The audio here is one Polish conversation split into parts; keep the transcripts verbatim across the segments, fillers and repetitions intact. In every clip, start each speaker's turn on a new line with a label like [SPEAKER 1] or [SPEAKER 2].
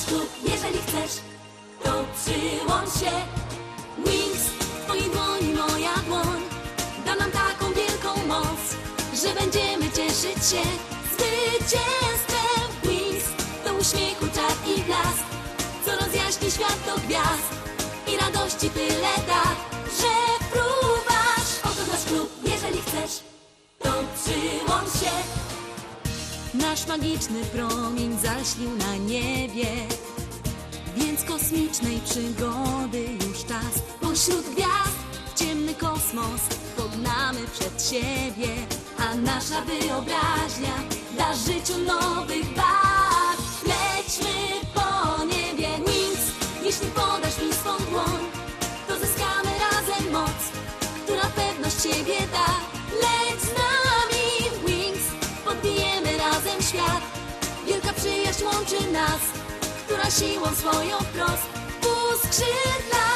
[SPEAKER 1] klub, jeżeli chcesz, to przyłącz się. Wings, w twojej dłoni moja dłoń da nam taką wielką moc, że będziemy cieszyć się zwycięstwem. Wings to uśmiechu czar i blask, co rozjaśni świat do gwiazd i radości tyle da, że fruwasz. Oto nasz klub, jeżeli chcesz, to przyłącz się. Nasz magiczny promień zaślił na niebie, więc kosmicznej przygody już czas. Pośród gwiazd w ciemny kosmos pognamy przed siebie, a nasza wyobraźnia da życiu nowych barw. Lećmy po niebie, Wings, jeśli podasz mi swą dłoń, to zyskamy razem moc, która pewność siebie da. Leć z nami, Wings, podbijemy razem świat. Wielka przyjaźń łączy nas, która siłą swoją wprost uskrzydla.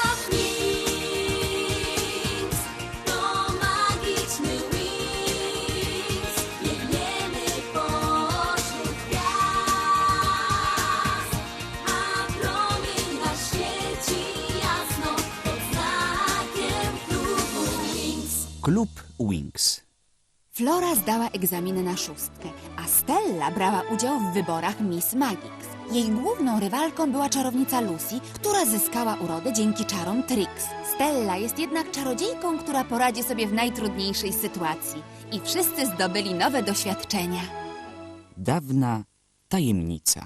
[SPEAKER 1] Wings to magiczny Wings, biegniemy pośród gwiazd, a promień nasz świeci jasno pod znakiem klubu Wings.
[SPEAKER 2] Klub Wings.
[SPEAKER 3] Flora zdała egzamin na szóstkę, a Stella brała udział w wyborach Miss Magix. Jej główną rywalką była czarownica Lucy, która zyskała urodę dzięki czarom Trix. Stella jest jednak czarodziejką, która poradzi sobie w najtrudniejszej sytuacji. I wszyscy zdobyli nowe doświadczenia.
[SPEAKER 2] Dawna tajemnica.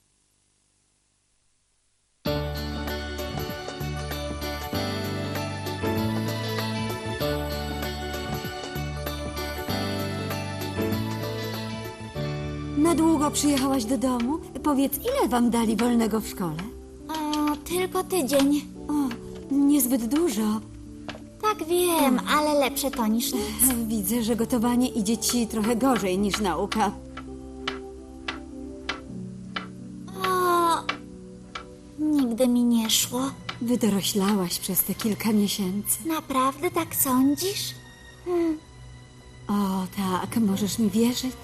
[SPEAKER 4] Na długo przyjechałaś do domu? Powiedz, ile wam dali wolnego w szkole?
[SPEAKER 5] O, tylko tydzień.
[SPEAKER 4] O, niezbyt dużo.
[SPEAKER 5] Tak wiem, ale lepsze to niż nic.
[SPEAKER 4] Widzę, że gotowanie idzie ci trochę gorzej niż nauka.
[SPEAKER 5] O, nigdy mi nie szło.
[SPEAKER 4] Wydoroślałaś przez te kilka miesięcy.
[SPEAKER 5] Naprawdę tak sądzisz?
[SPEAKER 4] O, tak, możesz mi wierzyć?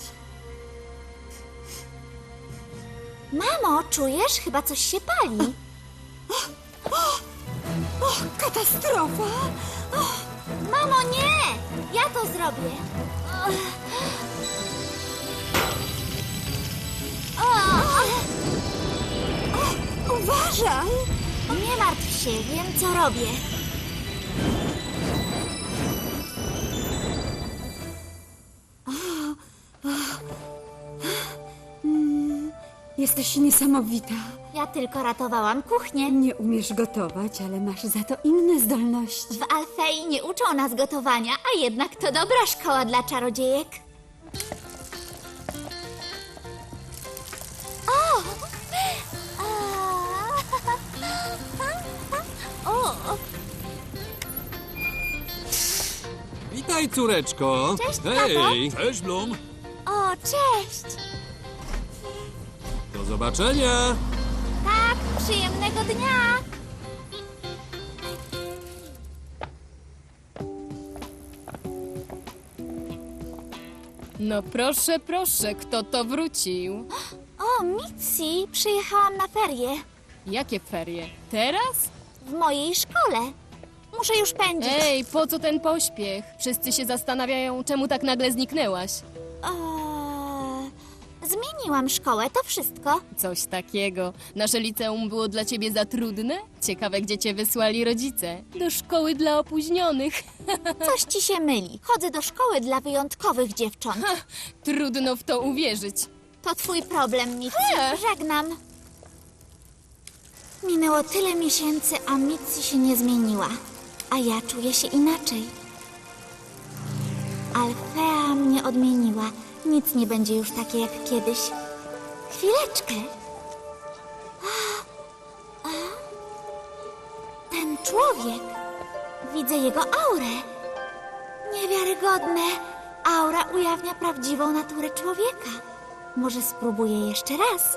[SPEAKER 5] Mamo, czujesz? Chyba coś się pali.
[SPEAKER 4] O, katastrofa!
[SPEAKER 5] Mamo, nie! Ja to zrobię. O,
[SPEAKER 4] Uważaj!
[SPEAKER 5] nie martw się, wiem co robię.
[SPEAKER 4] Jesteś niesamowita.
[SPEAKER 5] Ja tylko ratowałam kuchnię.
[SPEAKER 4] Nie umiesz gotować, ale masz za to inne zdolności.
[SPEAKER 5] W Alfei nie uczą nas gotowania, a jednak to dobra szkoła dla czarodziejek. O! A! O!
[SPEAKER 6] Witaj, córeczko.
[SPEAKER 5] Cześć,
[SPEAKER 6] Hej, cześć, Blum.
[SPEAKER 5] O, cześć!
[SPEAKER 6] Do zobaczenia.
[SPEAKER 5] Tak, przyjemnego dnia!
[SPEAKER 7] No proszę, proszę, kto to wrócił?
[SPEAKER 5] O, Mitzi, przyjechałam na ferie.
[SPEAKER 7] Jakie ferie? Teraz?
[SPEAKER 5] W mojej szkole. Muszę już pędzić.
[SPEAKER 7] Ej, po co ten pośpiech? Wszyscy się zastanawiają, czemu tak nagle zniknęłaś.
[SPEAKER 5] Eee, zmieniłam szkołę, to wszystko.
[SPEAKER 7] Coś takiego. Nasze liceum było dla ciebie za trudne? Ciekawe, gdzie cię wysłali rodzice. Do szkoły dla opóźnionych.
[SPEAKER 5] Coś ci się myli. Chodzę do szkoły dla wyjątkowych dziewcząt.
[SPEAKER 7] Trudno w to uwierzyć.
[SPEAKER 5] To twój problem, Mitzi.
[SPEAKER 7] He.
[SPEAKER 5] Żegnam. Minęło tyle miesięcy, a Mitzi się nie zmieniła. A ja czuję się inaczej. Alfea mnie odmieniła. Nic nie będzie już takie jak kiedyś. Chwileczkę. A, a, ten człowiek. Widzę jego aurę. Niewiarygodne. Aura ujawnia prawdziwą naturę człowieka. Może spróbuję jeszcze raz.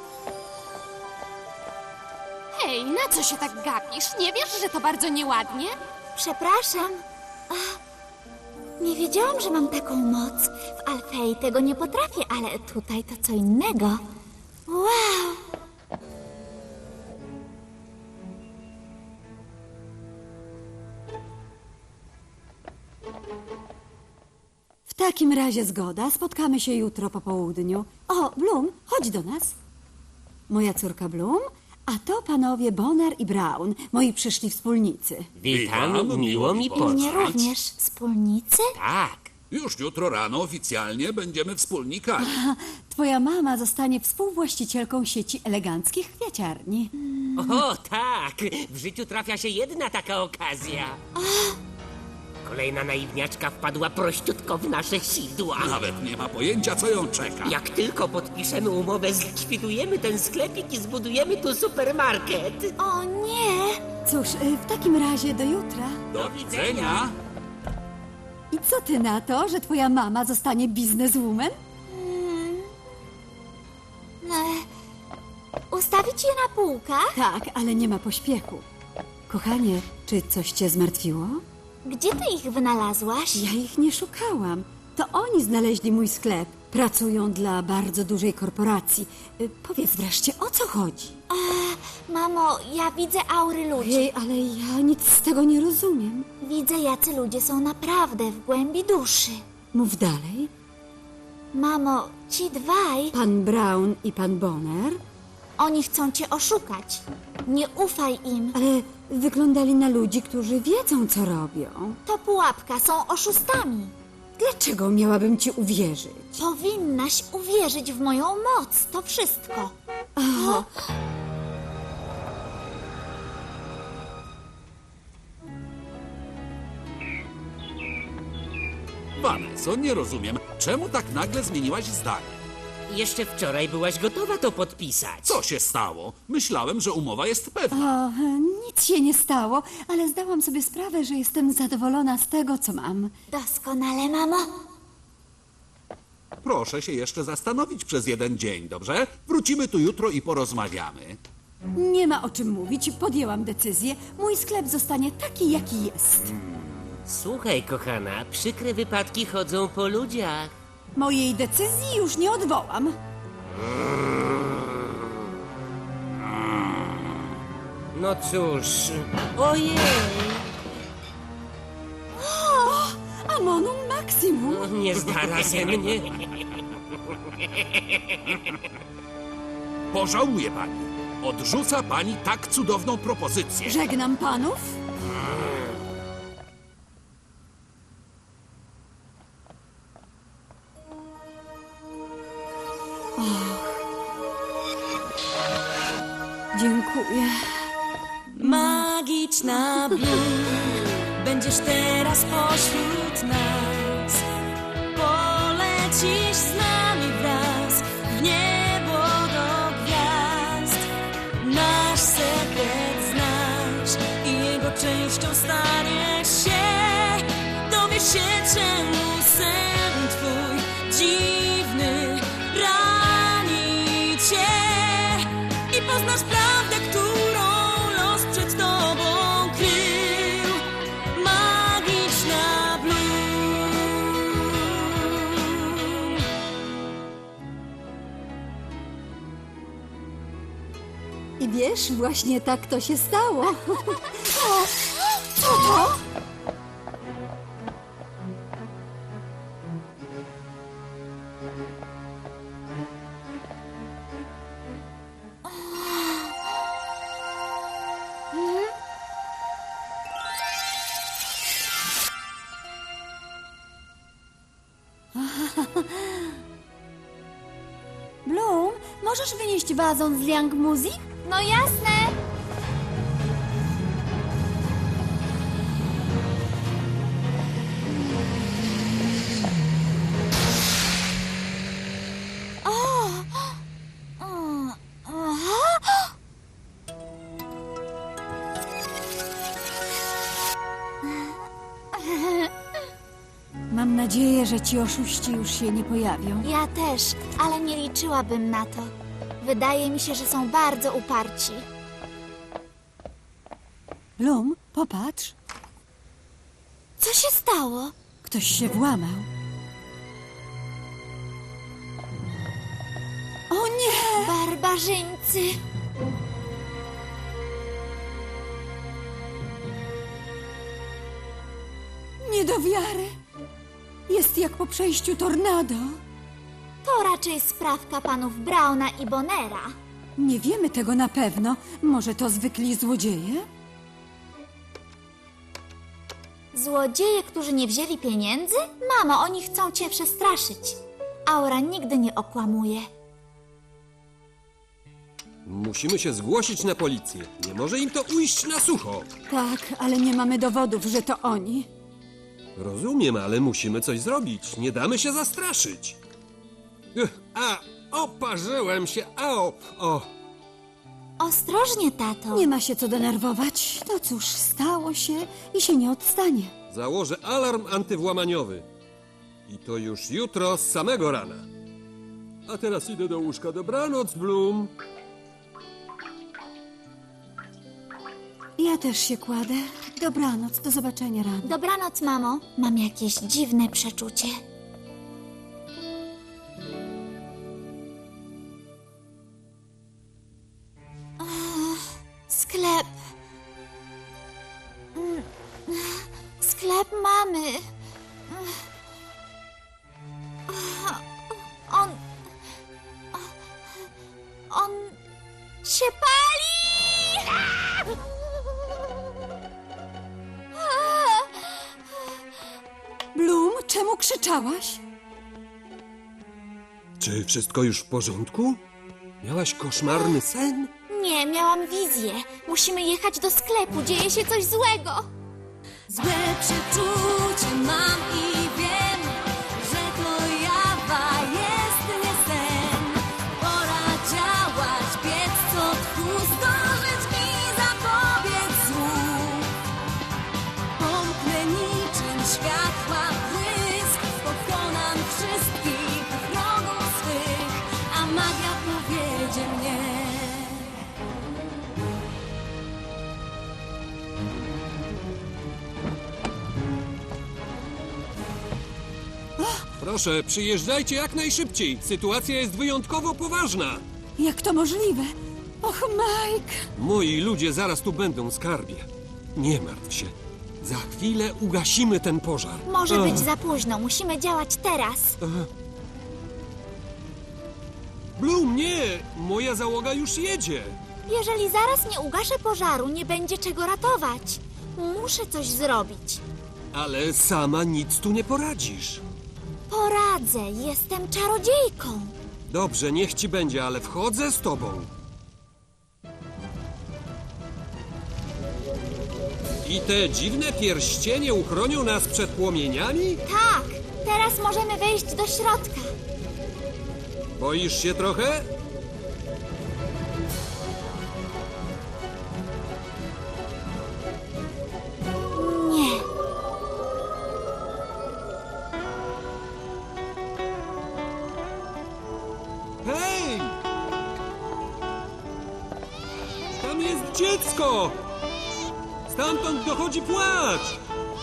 [SPEAKER 8] Hej, na co się tak gapisz? Nie wiesz, że to bardzo nieładnie?
[SPEAKER 5] Przepraszam. Ach, nie wiedziałam, że mam taką moc. W Alfei tego nie potrafię, ale tutaj to co innego. Wow!
[SPEAKER 4] takim razie zgoda. Spotkamy się jutro po południu. O, Bloom, chodź do nas. Moja córka Bloom, a to panowie Bonner i Brown, moi przyszli wspólnicy.
[SPEAKER 9] Witam, miło mi poznać.
[SPEAKER 5] Mnie również. Wspólnicy?
[SPEAKER 9] Tak.
[SPEAKER 6] Już jutro rano oficjalnie będziemy wspólnikami.
[SPEAKER 4] Twoja mama zostanie współwłaścicielką sieci eleganckich kwiaciarni.
[SPEAKER 9] O, tak. W życiu trafia się jedna taka okazja. Kolejna naiwniaczka wpadła prościutko w nasze sidła.
[SPEAKER 6] Nawet nie ma pojęcia, co ją czeka.
[SPEAKER 9] Jak tylko podpiszemy umowę, zlikwidujemy ten sklepik i zbudujemy tu supermarket.
[SPEAKER 5] O nie!
[SPEAKER 4] Cóż, y, w takim razie do jutra.
[SPEAKER 6] Do widzenia.
[SPEAKER 4] I co ty na to, że twoja mama zostanie bizneswoman?
[SPEAKER 5] E, ustawić je na półkach?
[SPEAKER 4] Tak, ale nie ma pośpiechu. Kochanie, czy coś cię zmartwiło?
[SPEAKER 5] Gdzie ty ich wynalazłaś?
[SPEAKER 4] Ja ich nie szukałam. To oni znaleźli mój sklep. Pracują dla bardzo dużej korporacji. Y, Powiedz wreszcie, o co chodzi?
[SPEAKER 5] Mamo, ja widzę aury ludzi.
[SPEAKER 4] Ojej, ale ja nic z tego nie rozumiem.
[SPEAKER 5] Widzę, jacy ludzie są naprawdę w głębi duszy.
[SPEAKER 4] Mów dalej.
[SPEAKER 5] Mamo, ci dwaj,
[SPEAKER 4] Pan Brown i pan Bonner,
[SPEAKER 5] oni chcą cię oszukać. Nie ufaj im.
[SPEAKER 4] ale wyglądali na ludzi, którzy wiedzą, co robią.
[SPEAKER 5] To pułapka, są oszustami.
[SPEAKER 4] Dlaczego miałabym ci uwierzyć?
[SPEAKER 5] Powinnaś uwierzyć w moją moc, to wszystko.
[SPEAKER 6] Vanesso, nie rozumiem, czemu tak nagle zmieniłaś zdanie?
[SPEAKER 9] Jeszcze wczoraj byłaś gotowa to podpisać.
[SPEAKER 6] Co się stało? Myślałem, że umowa jest pewna.
[SPEAKER 4] O, nic się nie stało, ale zdałam sobie sprawę, że jestem zadowolona z tego, co mam.
[SPEAKER 5] Doskonale, mamo.
[SPEAKER 6] Proszę się jeszcze zastanowić przez jeden dzień, dobrze? Wrócimy tu jutro i porozmawiamy.
[SPEAKER 4] Nie ma o czym mówić, podjęłam decyzję. Mój sklep zostanie taki, jaki jest.
[SPEAKER 9] Słuchaj, kochana, przykre wypadki chodzą po ludziach.
[SPEAKER 4] Mojej decyzji już nie odwołam.
[SPEAKER 9] No cóż. Ojej.
[SPEAKER 4] Amonum Maximum.
[SPEAKER 9] Nie zdara ze mnie.
[SPEAKER 6] Pożałuje pani. Odrzuca pani tak cudowną propozycję.
[SPEAKER 4] Żegnam panów. Dziękuję.
[SPEAKER 1] Magiczna Bloom, będziesz teraz pośród nas. Polecisz z nami wraz w niebo do gwiazd. Nasz sekret znasz i jego częścią staniesz się. Dowiesz się, czemu sen twój dziwny rani cię. I poznasz prawdę, którą los przed tobą krył. Magiczna Bloom.
[SPEAKER 4] I wiesz, właśnie tak to się stało. O, co to? Bloom, możesz wynieść wazon z Liang Music?
[SPEAKER 5] No jasne. O! O! Aha!
[SPEAKER 4] Mam nadzieję, że ci oszuści już się nie pojawią.
[SPEAKER 5] Ja też, ale nie liczyłabym na to. Wydaje mi się, że są bardzo uparci.
[SPEAKER 4] Bloom, popatrz.
[SPEAKER 5] Co się stało?
[SPEAKER 4] Ktoś się włamał. O nie!
[SPEAKER 5] Barbarzyńcy!
[SPEAKER 4] Nie do wiary. Jest jak po przejściu tornado.
[SPEAKER 5] To raczej sprawka panów Brauna i Bonera.
[SPEAKER 4] Nie wiemy tego na pewno. Może to zwykli złodzieje?
[SPEAKER 5] Złodzieje, którzy nie wzięli pieniędzy? Mamo, oni chcą cię przestraszyć. Aura nigdy nie okłamuje.
[SPEAKER 10] Musimy się zgłosić na policję. Nie może im to ujść na sucho.
[SPEAKER 4] Tak, ale nie mamy dowodów, że to oni.
[SPEAKER 10] Rozumiem, ale musimy coś zrobić. Nie damy się zastraszyć. Ech, a, oparzyłem się. Au, o.
[SPEAKER 5] Ostrożnie, tato.
[SPEAKER 4] Nie ma się co denerwować. No cóż, stało się i się nie odstanie.
[SPEAKER 10] Założę alarm antywłamaniowy. I to już jutro z samego rana. A teraz idę do łóżka. Dobranoc, Bloom.
[SPEAKER 4] Ja też się kładę. Dobranoc, do zobaczenia rano.
[SPEAKER 5] Dobranoc, mamo. Mam jakieś dziwne przeczucie. Ach, sklep. Mm, Sklep mamy. Ach, On... On się pali!
[SPEAKER 4] Bloom, czemu krzyczałaś?
[SPEAKER 10] Czy wszystko już w porządku? Miałaś koszmarny sen?
[SPEAKER 5] Nie, miałam wizję. Musimy jechać do sklepu. Dzieje się coś złego.
[SPEAKER 1] Złe przeczucie mam i wiem, że to jawa jest nie sen. Pora działać, biec co tchu, zdążyć mi zapobiec złu. Pomknę niczym światła błysk, pokonam wszystkich wrogów swych, a magia powiedzie mnie.
[SPEAKER 10] Proszę, przyjeżdżajcie jak najszybciej. Sytuacja jest wyjątkowo poważna.
[SPEAKER 4] Jak to możliwe? Och, Mike!
[SPEAKER 10] Moi ludzie zaraz tu będą, skarbie. Nie martw się. Za chwilę ugasimy ten pożar.
[SPEAKER 5] Może
[SPEAKER 10] Ach.
[SPEAKER 5] być za późno. Musimy działać teraz.
[SPEAKER 10] Bloom, nie! Moja załoga już jedzie.
[SPEAKER 5] Jeżeli zaraz nie ugaszę pożaru, nie będzie czego ratować. Muszę coś zrobić.
[SPEAKER 10] Ale sama nic tu nie poradzisz.
[SPEAKER 5] Poradzę. Jestem czarodziejką.
[SPEAKER 10] Dobrze, niech ci będzie, ale wchodzę z tobą. I te dziwne pierścienie uchronią nas przed płomieniami?
[SPEAKER 5] Tak. Teraz możemy wejść do środka.
[SPEAKER 10] Boisz się trochę?
[SPEAKER 5] Nie.
[SPEAKER 10] Hej! Tam jest dziecko! Stamtąd dochodzi płacz!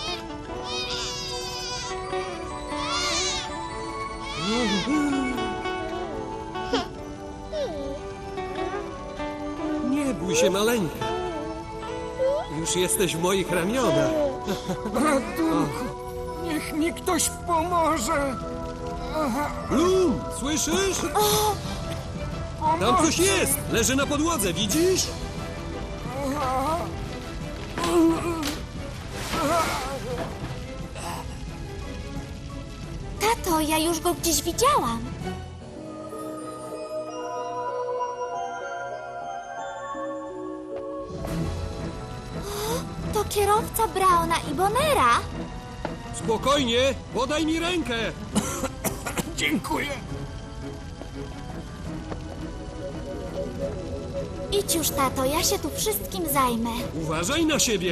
[SPEAKER 10] Nie bój się, maleńka. Już jesteś w moich ramionach.
[SPEAKER 11] Ratunku! Niech mi ktoś pomoże!
[SPEAKER 10] Bloom, słyszysz? Tam coś jest! Leży na podłodze, widzisz?
[SPEAKER 5] Tato, ja już go gdzieś widziałam. O, to kierowca Brauna i Bonera.
[SPEAKER 10] Spokojnie, podaj mi rękę!
[SPEAKER 11] Dziękuję!
[SPEAKER 5] Idź już, tato, ja się tu wszystkim zajmę.
[SPEAKER 10] Uważaj na siebie!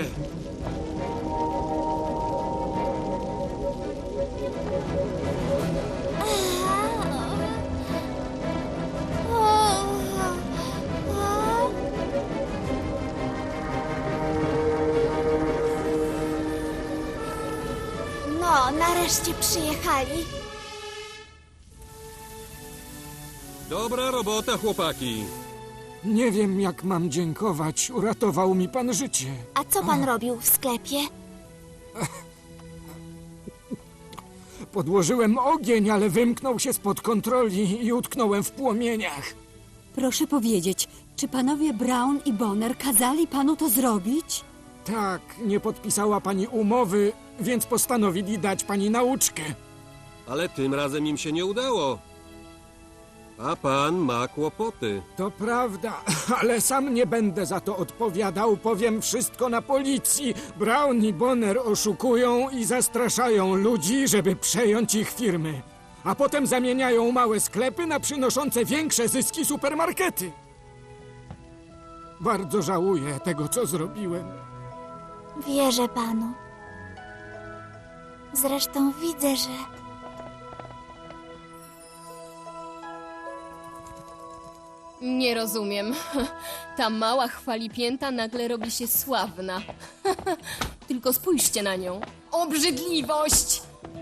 [SPEAKER 5] No, nareszcie przyjechali.
[SPEAKER 10] Dobra robota, chłopaki.
[SPEAKER 11] Nie wiem, jak mam dziękować. Uratował mi pan życie.
[SPEAKER 5] A co pan robił w sklepie?
[SPEAKER 11] Podłożyłem ogień, ale wymknął się spod kontroli i utknąłem w płomieniach.
[SPEAKER 4] Proszę powiedzieć, czy panowie Brown i Bonner kazali panu to zrobić?
[SPEAKER 11] Tak, nie podpisała pani umowy, więc postanowili dać pani nauczkę.
[SPEAKER 10] Ale tym razem im się nie udało. A pan ma kłopoty.
[SPEAKER 11] To prawda, ale sam nie będę za to odpowiadał. Powiem wszystko na policji. Brown i Bonner oszukują i zastraszają ludzi, żeby przejąć ich firmy. A potem zamieniają małe sklepy na przynoszące większe zyski supermarkety. Bardzo żałuję tego, co zrobiłem.
[SPEAKER 5] Wierzę panu. Zresztą widzę, że...
[SPEAKER 7] Nie rozumiem. Ta mała chwalipięta nagle robi się sławna. Tylko spójrzcie na nią. Obrzydliwość!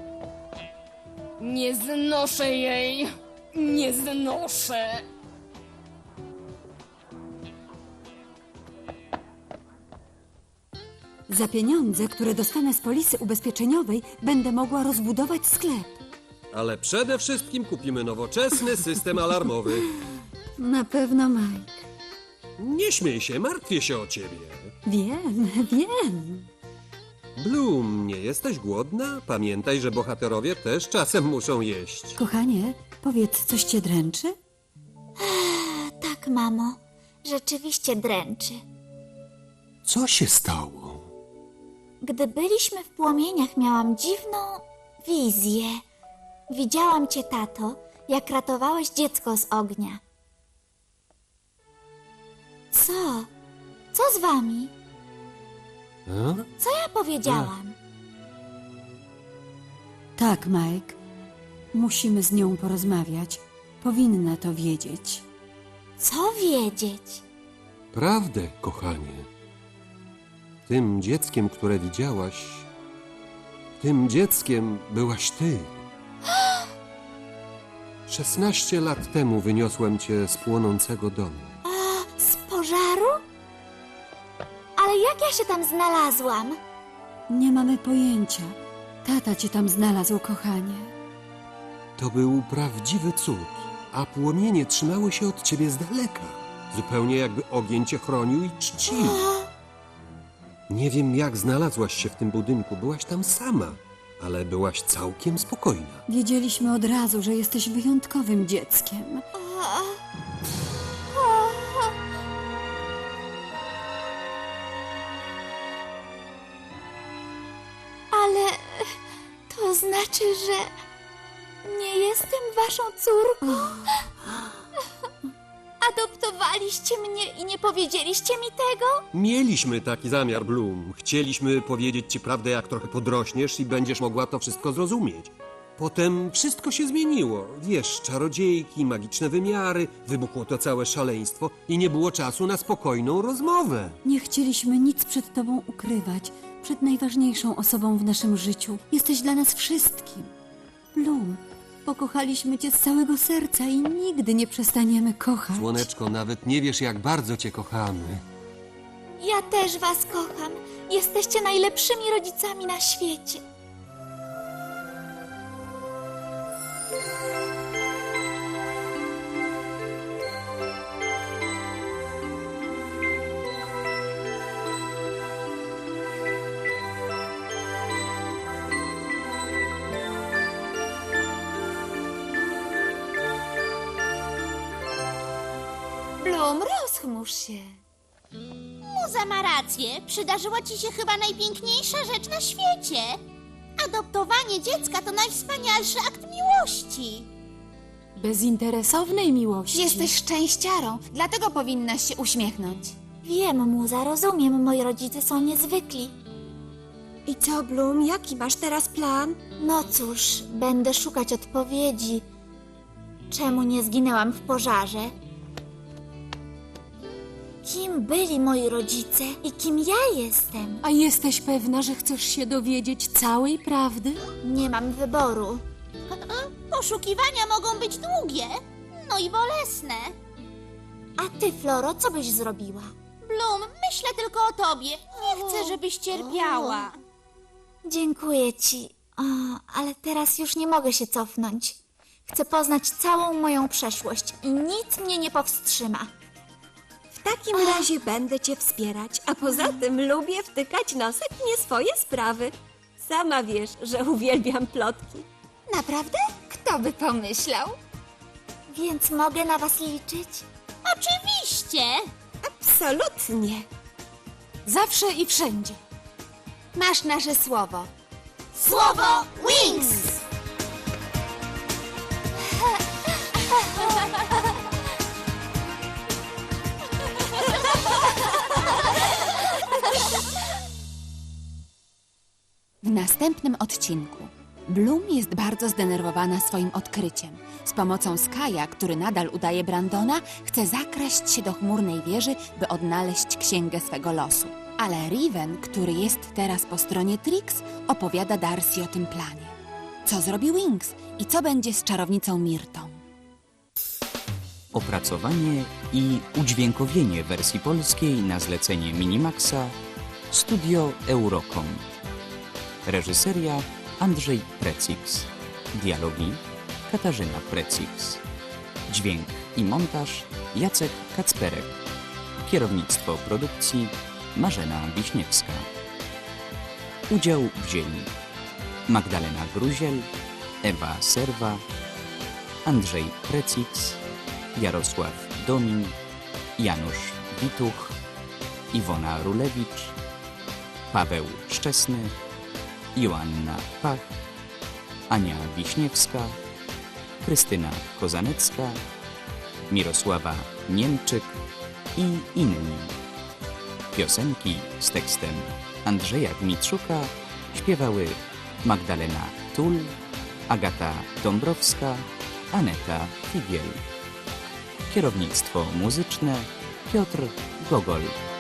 [SPEAKER 7] Nie znoszę jej. Nie znoszę.
[SPEAKER 4] Za pieniądze, które dostanę z polisy ubezpieczeniowej, będę mogła rozbudować sklep.
[SPEAKER 10] Ale przede wszystkim kupimy nowoczesny system alarmowy.
[SPEAKER 4] Na pewno, Mike.
[SPEAKER 10] Nie śmiej się, martwię się o ciebie.
[SPEAKER 4] Wiem, wiem.
[SPEAKER 10] Bloom, nie jesteś głodna? Pamiętaj, że bohaterowie też czasem muszą jeść.
[SPEAKER 4] Kochanie, powiedz, coś cię dręczy?
[SPEAKER 5] Tak, mamo. Rzeczywiście dręczy.
[SPEAKER 10] Co się stało?
[SPEAKER 5] Gdy byliśmy w płomieniach, miałam dziwną wizję. Widziałam cię, tato, jak ratowałeś dziecko z ognia. Co? Co z wami?
[SPEAKER 10] A?
[SPEAKER 5] Co ja powiedziałam?
[SPEAKER 4] Tak, Mike. Musimy z nią porozmawiać. Powinna to wiedzieć.
[SPEAKER 5] Co wiedzieć?
[SPEAKER 10] Prawdę, kochanie. Tym dzieckiem, które widziałaś, tym dzieckiem byłaś ty. Szesnaście lat temu wyniosłem cię z płonącego domu.
[SPEAKER 5] A, z pożaru? Ale jak ja się tam znalazłam?
[SPEAKER 4] Nie mamy pojęcia. Tata cię tam znalazł, kochanie.
[SPEAKER 10] To był prawdziwy cud, a płomienie trzymały się od ciebie z daleka. Zupełnie jakby ogień cię chronił i czcił. Nie wiem, jak znalazłaś się w tym budynku. Byłaś tam sama, ale byłaś całkiem spokojna.
[SPEAKER 4] Wiedzieliśmy od razu, że jesteś wyjątkowym dzieckiem.
[SPEAKER 5] Ale to znaczy, że nie jestem waszą córką? Adoptowaliście mnie i nie powiedzieliście mi tego?
[SPEAKER 10] Mieliśmy taki zamiar, Bloom. Chcieliśmy powiedzieć ci prawdę, jak trochę podrośniesz i będziesz mogła to wszystko zrozumieć. Potem wszystko się zmieniło. Wiesz, czarodziejki, magiczne wymiary, wybuchło to całe szaleństwo i nie było czasu na spokojną rozmowę.
[SPEAKER 4] Nie chcieliśmy nic przed tobą ukrywać. Przed najważniejszą osobą w naszym życiu. Jesteś dla nas wszystkim. Bloom, pokochaliśmy cię z całego serca i nigdy nie przestaniemy kochać.
[SPEAKER 10] Słoneczko, nawet nie wiesz, jak bardzo cię kochamy.
[SPEAKER 5] Ja też was kocham. Jesteście najlepszymi rodzicami na świecie.
[SPEAKER 8] Bloom, rozchmurz się.
[SPEAKER 12] Muza ma rację. Przydarzyła ci się chyba najpiękniejsza rzecz na świecie. Adoptowanie dziecka to najwspanialszy akt miłości.
[SPEAKER 8] Bezinteresownej miłości.
[SPEAKER 3] Jesteś szczęściarą, dlatego powinnaś się uśmiechnąć.
[SPEAKER 5] Wiem, muza, rozumiem. Moi rodzice są niezwykli.
[SPEAKER 12] I co, Bloom? Jaki masz teraz plan?
[SPEAKER 5] No cóż, będę szukać odpowiedzi. Czemu nie zginęłam w pożarze? Kim byli moi rodzice i kim ja jestem?
[SPEAKER 8] A jesteś pewna, że chcesz się dowiedzieć całej prawdy?
[SPEAKER 5] Nie mam wyboru.
[SPEAKER 12] Poszukiwania mogą być długie, no i bolesne.
[SPEAKER 5] A ty, Floro, co byś zrobiła?
[SPEAKER 12] Bloom, myślę tylko o tobie. Nie chcę, żebyś cierpiała.
[SPEAKER 5] Dziękuję ci. O, ale teraz już nie mogę się cofnąć. Chcę poznać całą moją przeszłość i nic mnie nie powstrzyma.
[SPEAKER 13] W takim razie będę cię wspierać, a poza tym lubię wtykać nosek w nie swoje sprawy. Sama wiesz, że uwielbiam plotki.
[SPEAKER 3] Naprawdę? Kto by pomyślał?
[SPEAKER 5] Więc mogę na was liczyć?
[SPEAKER 12] Oczywiście!
[SPEAKER 13] Absolutnie.
[SPEAKER 4] Zawsze i wszędzie.
[SPEAKER 3] Masz nasze słowo.
[SPEAKER 12] Słowo Wings!
[SPEAKER 3] W następnym odcinku Bloom jest bardzo zdenerwowana swoim odkryciem. Z pomocą Skya, który nadal udaje Brandona, chce zakraść się do chmurnej wieży, by odnaleźć księgę swego losu. Ale Riven, który jest teraz po stronie Trix, opowiada Darcy o tym planie. Co zrobi Wings i co będzie z czarownicą Mirtą?
[SPEAKER 2] Opracowanie i udźwiękowienie wersji polskiej na zlecenie Minimaxa Studio Eurocom. Reżyseria Andrzej Precix. Dialogi Katarzyna Precix. Dźwięk i montaż Jacek Kacperek. Kierownictwo produkcji Marzena Wiśniewska. Udział wzięli Magdalena Gruziel, Ewa Serwa, Andrzej Precix, Jarosław Domin, Janusz Wituch, Iwona Rulewicz, Paweł Szczesny, Joanna Pach, Ania Wiśniewska, Krystyna Kozanecka, Mirosława Niemczyk i inni. Piosenki z tekstem Andrzeja Dmitrzuka śpiewały Magdalena Tul, Agata Dąbrowska, Aneta Figiel. Kierownictwo muzyczne Piotr Gogol.